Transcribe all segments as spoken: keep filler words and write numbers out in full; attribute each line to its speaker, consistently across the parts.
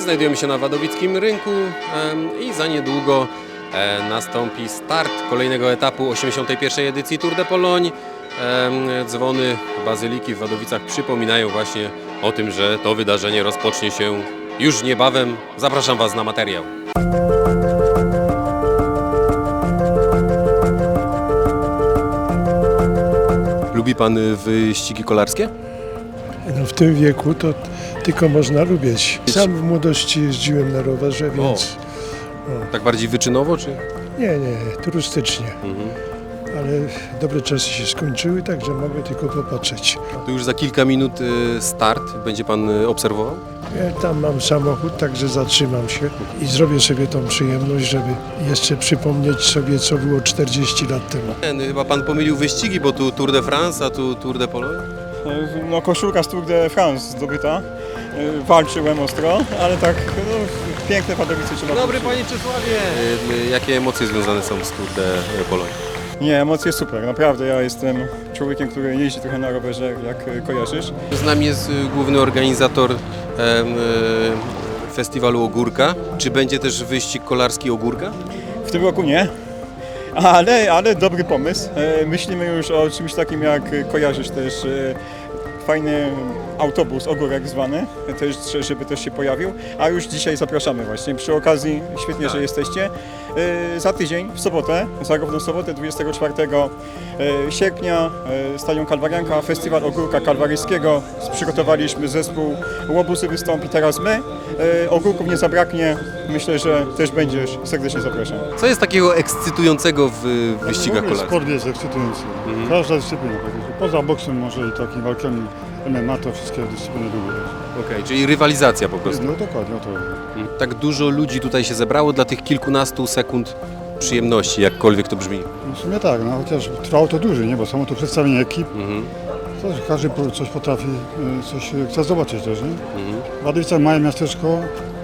Speaker 1: Znajdujemy się na Wadowickim Rynku i za niedługo nastąpi start kolejnego etapu osiemdziesiątej pierwszej edycji Tour de Pologne. Dzwony Bazyliki w Wadowicach przypominają właśnie o tym, że to wydarzenie rozpocznie się już niebawem. Zapraszam Was na materiał. Lubi Pan wyścigi kolarskie?
Speaker 2: No w tym wieku to tylko można lubić. Sam w młodości jeździłem na rowerze, więc...
Speaker 1: O. Tak bardziej wyczynowo, czy?
Speaker 2: Nie, nie, turystycznie.
Speaker 1: Mhm.
Speaker 2: Ale dobre czasy się skończyły, także mogę tylko popatrzeć.
Speaker 1: To już za kilka minut start. Będzie Pan obserwował?
Speaker 2: Ja tam mam samochód, także zatrzymam się i zrobię sobie tą przyjemność, żeby jeszcze przypomnieć sobie, co było czterdzieści lat temu.
Speaker 1: Nie, chyba Pan pomylił wyścigi, bo tu Tour de France, a tu Tour de Pologne?
Speaker 3: No, koszulka z Tour de France zdobyta. Walczyłem ostro, ale tak no, piękne Wadowice trzeba.
Speaker 1: Dobry Panie Czesławie! Jakie emocje związane są z Tour de Pologne?
Speaker 3: Nie, emocje super, naprawdę. Ja jestem człowiekiem, który jeździ trochę na rowerze, jak kojarzysz.
Speaker 1: Z nami jest główny organizator em, e, festiwalu Ogórka. Czy będzie też wyścig kolarski Ogórka?
Speaker 3: W tym roku nie, ale, ale dobry pomysł. Myślimy już o czymś takim, jak kojarzysz też fajny autobus, Ogórek zwany, też, żeby też się pojawił, a już dzisiaj zapraszamy właśnie. Przy okazji, świetnie,
Speaker 1: tak.
Speaker 3: że jesteście. Za tydzień, w sobotę, za równą sobotę, dwudziestego czwartego sierpnia, Stadion Kalwarianka, Festiwal Ogórka Kalwaryjskiego. Przygotowaliśmy zespół, Łobusy wystąpi, teraz my. Ogórków nie zabraknie, myślę, że też będziesz, serdecznie zapraszam.
Speaker 1: Co jest takiego ekscytującego w wyścigach
Speaker 4: W ogóle
Speaker 1: kolarskich?
Speaker 4: sport jest ekscytujący.
Speaker 1: Mhm.
Speaker 4: Każda dyscyplina. Poza boksem może i takimi walkami M M A, to wszystkie dyscypliny lubię.
Speaker 1: Okej, czyli rywalizacja po prostu.
Speaker 4: No dokładnie, o to.
Speaker 1: Tak dużo ludzi tutaj się zebrało dla tych kilkunastu sekund przyjemności, jakkolwiek to brzmi.
Speaker 4: No w sumie tak, no chociaż trwało to dłużej, nie? Bo samo to przedstawienie ekip,
Speaker 1: Mhm.
Speaker 4: to każdy po- coś potrafi, y, coś chce zobaczyć też, nie?
Speaker 1: Mhm.
Speaker 4: Wadowice małe miasteczko,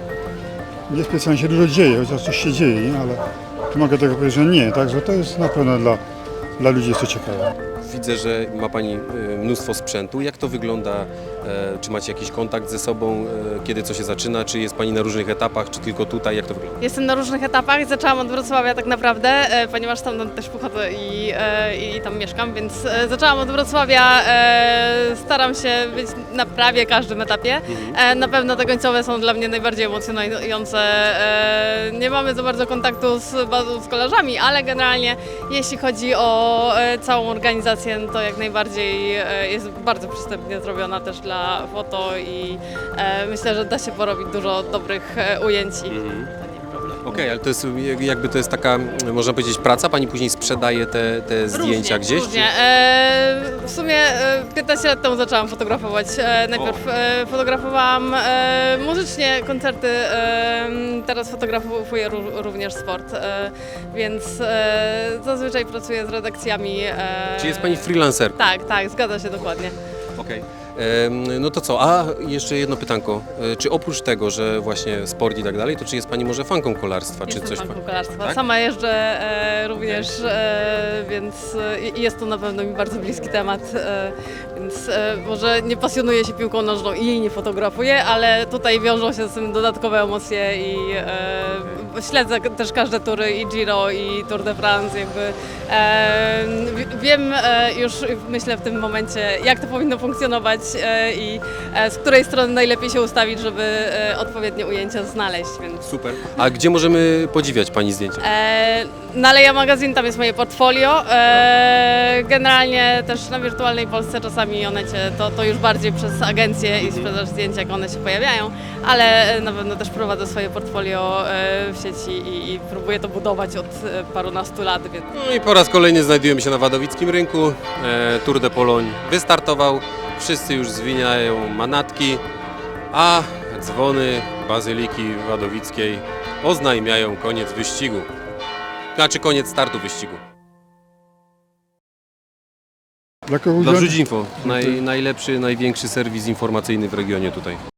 Speaker 4: nie specjalnie się dużo dzieje, chociaż coś się dzieje, nie? Ale mogę tego powiedzieć, że nie, także to jest na pewno dla, dla ludzi jest to ciekawe.
Speaker 1: Widzę, że ma Pani y, mnóstwo sprzętu. Jak to wygląda? E, Czy macie jakiś kontakt ze sobą? E, Kiedy co się zaczyna? Czy jest Pani na różnych etapach, czy tylko tutaj? Jak to wygląda?
Speaker 5: Jestem na różnych etapach. Zaczęłam od Wrocławia tak naprawdę, e, ponieważ tam też pochodzę i, e, i tam mieszkam, więc e, zaczęłam od Wrocławia. E, staram się być na prawie każdym etapie. E, na pewno te końcowe są dla mnie najbardziej emocjonujące. E, nie mamy za bardzo kontaktu z, z kolarzami, ale generalnie jeśli chodzi o e, całą organizację, to jak najbardziej e, jest bardzo przystępnie zrobiona też dla foto i e, myślę, że da się porobić dużo dobrych e, ujęć i
Speaker 1: Mhm.
Speaker 5: to nie problem.
Speaker 1: Okej, ale to jest jakby to jest taka, można powiedzieć, praca? Pani później sprzedaje te, te zdjęcia
Speaker 5: Różnie,
Speaker 1: gdzieś?
Speaker 5: Różnie. E, w sumie e, piętnaście lat temu zaczęłam fotografować. E, najpierw e, fotografowałam e, muzycznie koncerty, e, teraz fotografuję ró- również sport, e, więc e, zazwyczaj pracuję z redakcjami. E,
Speaker 1: Czy jest Pani freelancerką?
Speaker 5: Tak, tak, zgadza się dokładnie.
Speaker 1: Okej. Em, No to co? A jeszcze jedno pytanko. E, Czy oprócz tego, że właśnie sport i tak dalej, to czy jest Pani może fanką kolarstwa? Czy
Speaker 5: Jestem
Speaker 1: coś?
Speaker 5: fanką kolarstwa.
Speaker 1: Tak?
Speaker 5: Sama jeżdżę e, również, e, więc e, i jest to na pewno mi bardzo bliski temat, e, więc e, może nie pasjonuję się piłką nożną i jej nie fotografuję, ale tutaj wiążą się z tym dodatkowe emocje i e, śledzę też każde tury i Giro i Tour de France, jakby e, w- wiem e, już myślę w tym momencie, jak to powinno funkcjonować e, i e, z której strony najlepiej się ustawić, żeby e, odpowiednie ujęcia znaleźć, więc
Speaker 1: Super. A gdzie możemy podziwiać Pani zdjęcia?
Speaker 5: E, na Leja Magazine tam jest moje portfolio. E, generalnie też na Wirtualnej Polsce czasami one cię, to, to już bardziej przez agencje i sprzedaż zdjęć, jak one się pojawiają, ale na pewno też prowadzę swoje portfolio e, w sieci i, i próbuję to budować od e, parunastu lat, więc
Speaker 1: No i po raz kolejny znajdujemy się na Wadowickim Rynku. E, Tour de Pologne wystartował. Wszyscy już zwiniają manatki, a dzwony Bazyliki Wadowickiej oznajmiają koniec wyścigu. Znaczy koniec startu wyścigu.
Speaker 4: Dla kogo
Speaker 1: Dla
Speaker 4: udział-
Speaker 1: Info. Naj, najlepszy, największy serwis informacyjny w regionie tutaj.